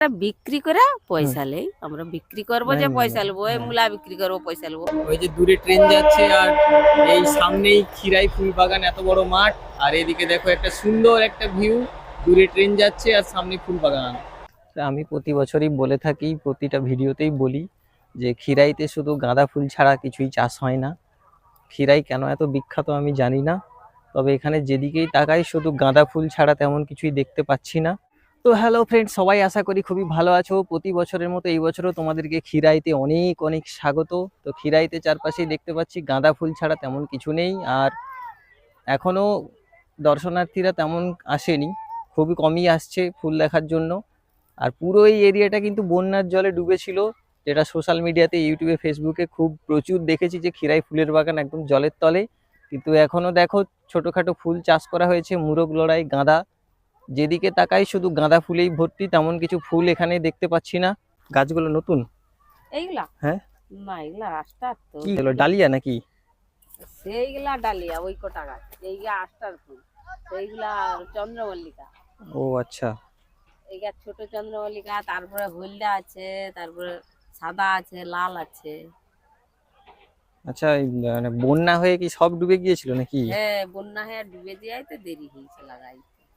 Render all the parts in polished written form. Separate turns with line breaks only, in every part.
বিক্রি করে পয়সা নেই, আমরা বিক্রি করবো যে পয়সা নেবো, ওই মূলা বিক্রি করবো পয়সা নেবো।
ওই যে দূরে ট্রেন যাচ্ছে আর এই সামনেই খিরাই ফুল বাগান, এত বড় মাঠ, আর এদিকে দেখো একটা সুন্দর একটা ভিউ, দূরে ট্রেন যাচ্ছে আর সামনে ফুল বাগান। আমি প্রতি বছরই বলে থাকি, প্রতিটা ভিডিওতেই বলি যে খিরাইতে শুধু গাঁদা ফুল ছাড়া কিছুই চাষ হয় না। খিরাই কেন এত বিখ্যাত আমি জানি না, তবে এখানে যেদিকেই তাকাই শুধু গাঁদা ফুল ছাড়া তেমন কিছুই দেখতে পাচ্ছি না। তো হ্যালো ফ্রেন্ড, সবাই আশা করি খুবই ভালো আছো। প্রতি বছরের মতো এই বছরও তোমাদেরকে খিরাইতে অনেক অনেক স্বাগত। তো খিরাইতে চারপাশেই দেখতে পাচ্ছি গাঁদা ফুল ছাড়া তেমন কিছু নেই, আর এখনো দর্শনার্থীরা তেমন আসেনি, খুবই কমই আসছে ফুল দেখার জন্য। আর পুরো এই এরিয়াটা কিন্তু বন্যার জলে ডুবেছিল, যেটা সোশ্যাল মিডিয়াতে, ইউটিউবে, ফেসবুকে খুব প্রচুর দেখেছি যে খিরাই ফুলের বাগান একদম জলের তলে। কিন্তু এখনো দেখো ছোটখাটো ফুল চাষ করা হয়েছে, মুরগ লড়াই, গাঁদা, যেদিকে তাকাই শুধু গাঁদা ফুলেই ভর্তি, তেমন কিছু ফুল এখানে দেখতে পাচ্ছি না। গাছগুলো নতুন?
এইগুলা
হ্যাঁ,
না, এগুলা আস্টার তো।
কি হলো, ডালিয়া নাকি?
সেইগুলা ডালিয়া, ওই কটা গাছ, এইগুলা আস্টার ফুল, সেইগুলা চন্দ্রমল্লিকা।
ও আচ্ছা,
এই গাছ ছোট চন্দ্রমল্লিকা, তারপরে হলদা আছে, তারপরে সাদা আছে, লাল আছে।
আচ্ছা। এই মানে বন্যা হয়ে কি সব ডুবে গিয়েছিল নাকি?
হ্যাঁ, বন্যা হয়ে ডুবে যাই তো দেরি হয়েছে লাগাই।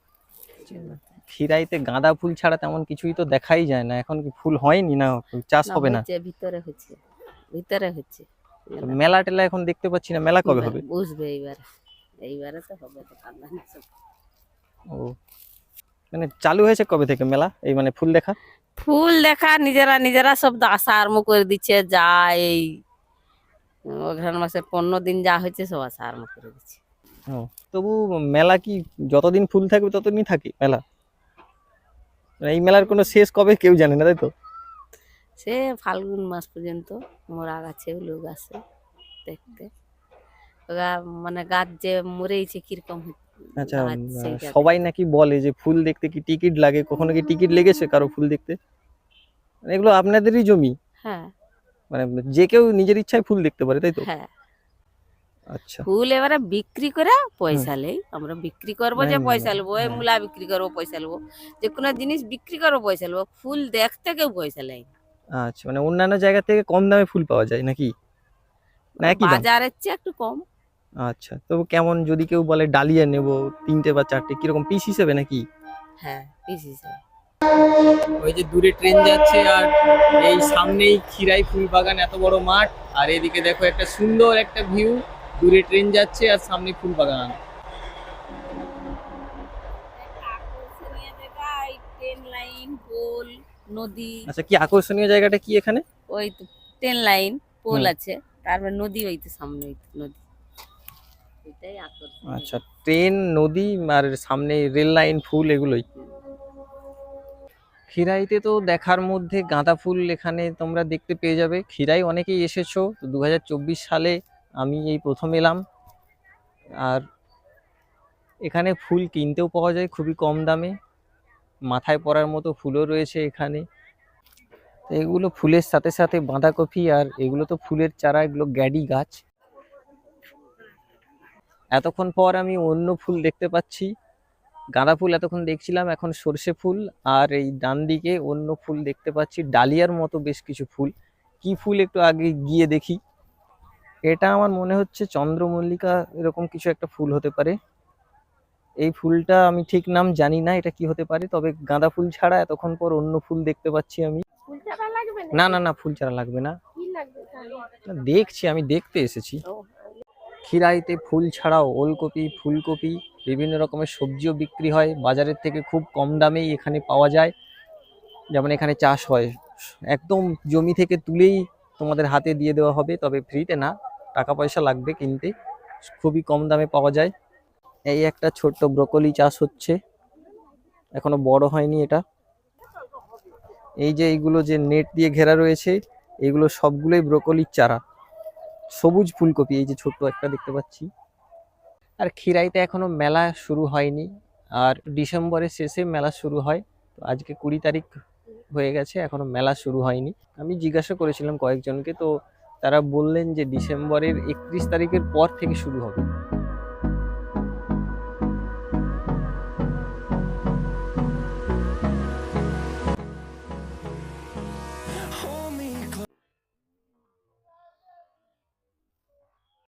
খিরাইতে গাঁদা ফুল ছাড়া তেমন কিছুই তো দেখাই যায় না। এখন কি ফুল হয়নি, না চাষ হবে না?
ভিতরে হচ্ছে, ভিতরে হচ্ছে।
মেলা টেলা এখন দেখতে পাচ্ছি না, মেলা কবে হবে?
বুঝবে এইবার, এইবারে তো হবে তো কান্না।
ও, মানে চালু হয়েছে কবে থেকে মেলা, এই মানে ফুল দেখা?
ফুল দেখা নিজেরা নিজেরা সব আসা আরম্ভ করে দিচ্ছে, যা এই অঘ্রাণ মাসের 15 দিন যা হয়েছে সব আসা আরম্ভ করে দিচ্ছে।
ও, তবু মেলা কি যতদিন ফুল থাকবে ততদিন থাকে মেলা? মানে এই মেলার কোনো শেষ কবে কেউ জানে না, তাই তো?
সে ফাল্গুন মাস পর্যন্ত মোরা গাছে লোক আসে দেখতে, ওরা মানে গাছ যে মরেছে কিরকম
আচ্ছা, সবাই নাকি বলে যে ফুল দেখতে কি টিকিট লাগে, কখনো কি টিকিট লেগেছে কারো ফুল দেখতে? মানে এগুলো আপনাদেরই জমি?
হ্যাঁ,
মানে যে কেউ নিজের ইচ্ছায় ফুল দেখতে পারে, তাই তো?
হ্যাঁ।
আচ্ছা।
ফুল এবারে বিক্রি করে পয়সা নেই, আমরা বিক্রি করবো যে পয়সা নেবো, ওই মূলা বিক্রি করবো পয়সা নেবো, যে কোনো জিনিস বিক্রি করবো পয়সা নেবো, ফুল দেখতে কেউ পয়সা নেই।
আচ্ছা, মানে অন্যান্য জায়গা থেকে কম দামে ফুল পাওয়া যায় নাকি, না একই দাম?
বাজারের চেয়ে একটু কম।
আচ্ছা, তবু কেমন, যদি কেউ বলে ডালিয়া নেব 3টে বা 4টে, কিরকম পিস হিসেবে নাকি?
হ্যাঁ, পিস হিসেবে।
ওই যে দূরে ট্রেন যাচ্ছে আর এই সামনেই খিরাই ফুল বাগান, এত বড় মাঠ, আর এদিকে দেখো একটা সুন্দর একটা ভিউ, দূরে ট্রেন যাচ্ছে আর সামনে ফুল বাগান।
ট্রেন লাইন, পোল, নদী।
আচ্ছা, কি আকর্ষণীয় জায়গাটা কি এখানে?
ওই তো ট্রেন লাইন, পোল আছে, তারপর নদী, ওই তো সামনে ওই তো নদী, এটাই আকর্ষণ।
আচ্ছা, ট্রেন, নদী আর সামনে রেল লাইন, ফুল, এগুলোই। খিরাইতে তো দেখার মধ্যে গাঁদা ফুল এখানে তোমরা দেখতে পেয়ে যাবে। খিরাই অনেকেই এসেছো, তো 2024 সালে আমি এই প্রথম এলাম। আর এখানে ফুল কিনতেও পাওয়া যায় খুবই কম দামে, মাথায় পরার মতো ফুলও রয়েছে এখানে। এগুলো ফুলের সাথে সাথে বাঁধাকপি, আর এগুলো তো ফুলের চারা, এগুলো গ্যাডি গাছ। এতক্ষণ পর আমি অন্য ফুল দেখতে পাচ্ছি। গাঁদা ফুল এতক্ষণ দেখছিলাম, এখন সর্ষে ফুল, আর এই ডান দিকে অন্য ফুল দেখতে পাচ্ছি, ডালিয়ার মতো বেশ কিছু ফুল। কি ফুল একটু আগে গিয়ে দেখি। এটা আমার মনে হচ্ছে চন্দ্রমল্লিকা, এরকম কিছু একটা ফুল হতে পারে। এই ফুলটা আমি ঠিক নাম জানি না এটা কি হতে পারে, তবে গাঁদা ফুল ছাড়া এতক্ষণ পর অন্য ফুল দেখতে পাচ্ছি আমি। না না না, ফুল ছাড়া লাগবে না, দেখছি, আমি দেখতে এসেছি। খিরাইতে ফুল ছাড়াও ওলকপি, ফুলকপি, বিভিন্ন রকমের সবজিও বিক্রি হয় বাজারের থেকে খুব কম দামেই এখানে পাওয়া যায়। যেমন এখানে চাষ হয়, একদম জমি থেকে তুলেই তোমাদের হাতে দিয়ে দেওয়া হবে, তবে ফ্রিতে না, টাকা পয়সা লাগবে কিনতে। খুবই কম দামে পাওয়া যায়। এই একটা ছোট্ট ব্রকলি চাষ হচ্ছে, এখনো বড় হয়নি এটা। এই যে এইগুলো যে নেট দিয়ে ঘেরা রয়েছে, এগুলো সবগুলোই ব্রকলির চারা। সবুজ ফুলকপি, এই যে ছোট্ট একটা দেখতে পাচ্ছি। আর খিরাইতে এখনো মেলা শুরু হয়নি, আর ডিসেম্বরের শেষে মেলা শুরু হয়। তো আজকে 20 তারিখ হয়ে গেছে, এখনো মেলা শুরু হয়নি। আমি জিজ্ঞাসা করেছিলাম কয়েকজনকে, তো তারা বললেন যে ডিসেম্বরের 31 তারিখের পর থেকে শুরু হবে।
Hold